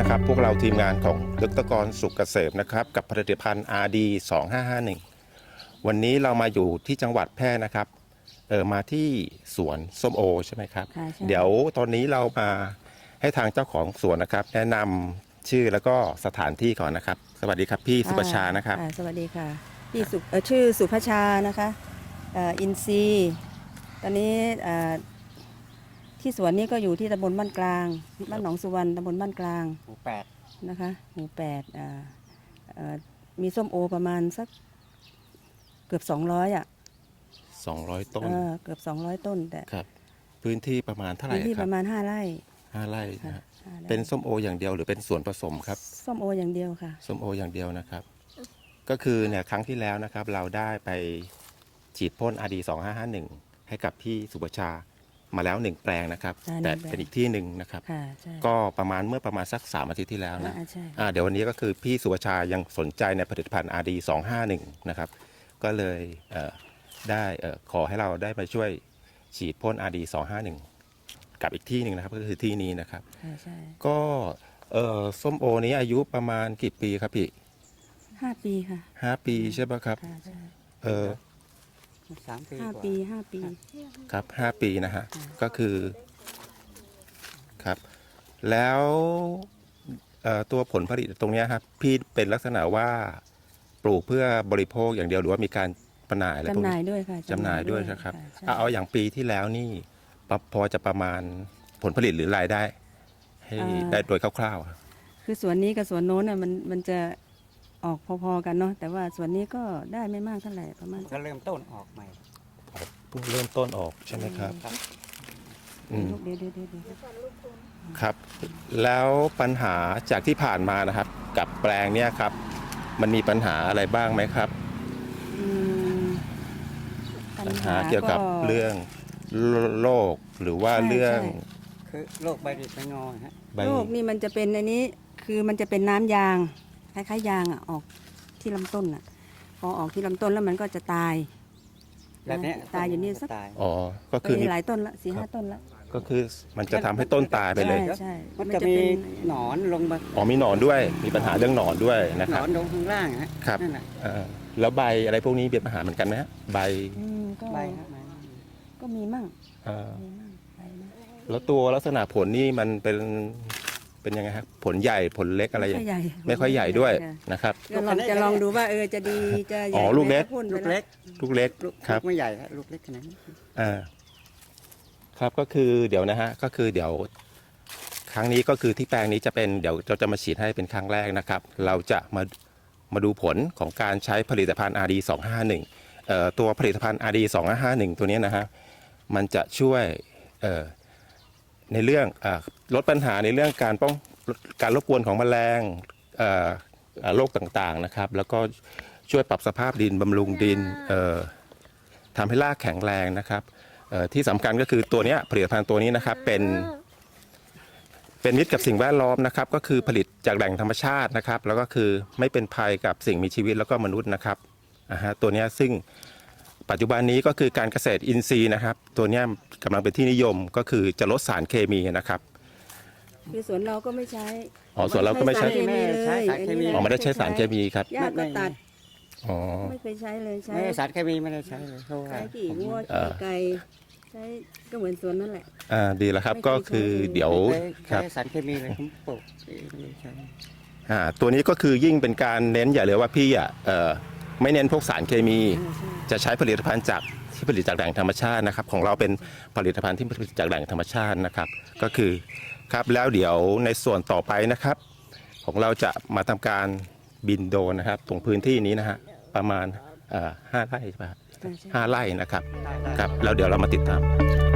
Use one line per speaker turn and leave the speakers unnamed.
ครับพวกเราทีมงานของดร.กรสุขเกษมนะครับกับผลิตภัณฑ์ RD 2551วันนี้เรามาอยู่ที่จังหวัดแพร่นะครับมาที่สวนส้มโอใช่ไหมครับเดี๋ยวตอนนี้เรามาให้ทางเจ้าของสวนนะครับแนะนำชื่อแล้วก็สถานที่ก่อนนะครับสวัสดีครับพี่สุภชานะครับ
สวัสดีค่ะพี่ชื่อสุภชานะคะอินซีตอนนี้ที่สวนนี้ก็อยู่ที่ตำบลบ้านกลางบ้านหนองสุวรรณตำบลบ้านกลาง
หมู่8
นะคะหมู่8มีส้มโอประมาณสักเกือบ200
200 ต้น
เกือบ200ต้นแต่
ครับพื้นที่ประมาณเท่าไหร่
พื้นที่
ครั
ประมาณ5 ไร่
5 ไร่นะเป็นส้มโออย่างเดียวหรือเป็นส่วนผสมครับ
ส้มโออย่างเดียวค่ะ
ส้มโออย่างเดียวนะครับก็คือเนี่ยครั้งที่แล้วนะครับเราได้ไปฉีดพ่น RD 2551ให้กับพี่สุภชามาแล้ว1แปลงนะครับแต่เป็นอีกที่หนึ่งนะครับก็ประมาณสัก3 อาทิตย์ที่แล้วนะเดี๋ยววันนี้ก็คือพี่สุภชายังสนใจในผลิตภัณฑ์ RD 251นะครับก็เลยได้ขอให้เราได้มาช่วยฉีดพ่น RD 251กับอีกที่หนึ่งนะครับก็คือที่นี้นะครับก็ส้มโอนี้อายุประมาณกี่ปีครับพี่
5 ปีค่ะ
5 ปีใช่ไหมครับ
3 ปี
5 ปี 5 ปี
ครับ5 ปีนะฮะก็คือครับแล้วตัวผลผลิตตรงนี้ครับพี่เป็นลักษณะว่าปลูกเพื่อบริโภคอย่างเดียวหรือว่ามีการจำหน่ายอะไรพวกนี้
จำหน่ายด้วยค่ะ
จำหน่ายด้วยนะครับเอาอย่างปีที่แล้วนี่พอจะประมาณผลผลิตหรือรายได้ให้ได้โดยคร่าว
ๆคือสวนนี้กับสวนโน้นมันจะออกพอๆกันเนาะแต่ว่าสวนนี้ก็ได้ไม่มากเท่าไหร่ประมาณ
ก็เริ่มต้นออกใหม่
เพิ่งเริ่มต้นออกใช่ไหมครับ
เดี๋ยว
ครับแล้วปัญหาจากที่ผ่านมานะครับกับแปลงเนี้ยครับมันมีปัญหาอะไรบ้างไหมครับปัญหาเกี่ยวกับเรื่องโรคหรือว่าเรื่อง
คือโรคใบหยิกใบงอฮะ
โรคนี่มันจะเป็นอันนี้คือมันจะเป็นน้ำยางคล้ายๆยางออกที่ลำต้นพอออกที่ลำต้นแล้วมันก็จะตาย
แบบนี้
ตายอยู่นี่สัก
ก็คือ
หลายต้นละ4-5 ต้นละ
ก็คือมันจะทำให้ต้นตายไปเลย
ใช่
มันจะมีหนอนลงมา
มีหนอนด้วยมีปัญหาเรื่องหนอนด้วยนะครับ
หนอนลงข้างล่างฮะ
ครับแล้วใบอะไรพวกนี้มีปัญหาเหมือนกันไหมฮะใบ
ก็มีมั่ง
แล้วตัวลักษณะผลนี่มันเป็นยังไงครับผลใหญ่ผลเล็กอะไรไม่ค่อยใหญ่ด้วยนะครับ
จะลองดูว่าจะดีจะใหญ่
ลูกเล็ก
ครับไม่ใหญ่ลูกเล็กขนาดนี้
ครับก็คือเดี๋ยวนะฮะก็คือเดี๋ยวครั้งนี้ก็คือที่แปลงนี้จะเป็นเดี๋ยวเราจะมาฉีดให้เป็นครั้งแรกนะครับเราจะมาดูผลของการใช้ผลิตภัณฑ์ RD 251ตัวผลิตภัณฑ์ RD 251ตัวนี้นะฮะมันจะช่วยในเรื่องลดปัญหาในเรื่องการรบกวนของแมลงโรคต่างๆนะครับแล้วก็ช่วยปรับสภาพดินบำรุงดินทำให้รากแข็งแรงนะครับที่สำคัญก็คือตัวนี้ผลิตภัณฑ์ตัวนี้นะครับเป็นมิตรกับสิ่งแวดล้อมนะครับก็คือผลิตจากแหล่งธรรมชาตินะครับแล้วก็คือไม่เป็นภัยกับสิ่งมีชีวิตแล้วก็มนุษย์นะครับตัวนี้ซึ่งปัจจุบันนี้ก็คือการเกษตรอินทรีย์นะครับตัวนี้กำลังเป็นที่นิยมก็คือจะลดสารเคมีนะครับ
คือสวนเราก็ไม่ใช้
สวนเราก็ไม่ใช้
สารเคมี
ไม่ได้ใช้สารเคมีครับ
หญ้าก็ตัดไม่เคยใช้เลยใช้
สารเคมีไม่ได้ใช้เลย
ใช้กี่วัวกี่ไก่ใช้ก็เหมือนสวนนั่นแหละ
ดีแล้วครับก็คือเดี๋ยว
ครับสารเคมีเลยผมปลูก
ตัวนี้ก็คือยิ่งเป็นการเน้นอย่าเลยว่าพี่ไม่เน้นพวกสารเคมีจะใช้ผลิตภัณฑ์ที่ผลิตจากแหล่งธรรมชาตินะครับของเราเป็นผลิตภัณฑ์ที่ผลิตจากแหล่งธรรมชาตินะครับก็คือครับแล้วเดี๋ยวในส่วนต่อไปนะครับของเราจะมาทำการบินโดรนนะครับตรงพื้นที่นี้นะฮะประมาณ5 ไร่ใช่ไหม5 ไร่นะครับครับแล้วเดี๋ยวเรามาติดตาม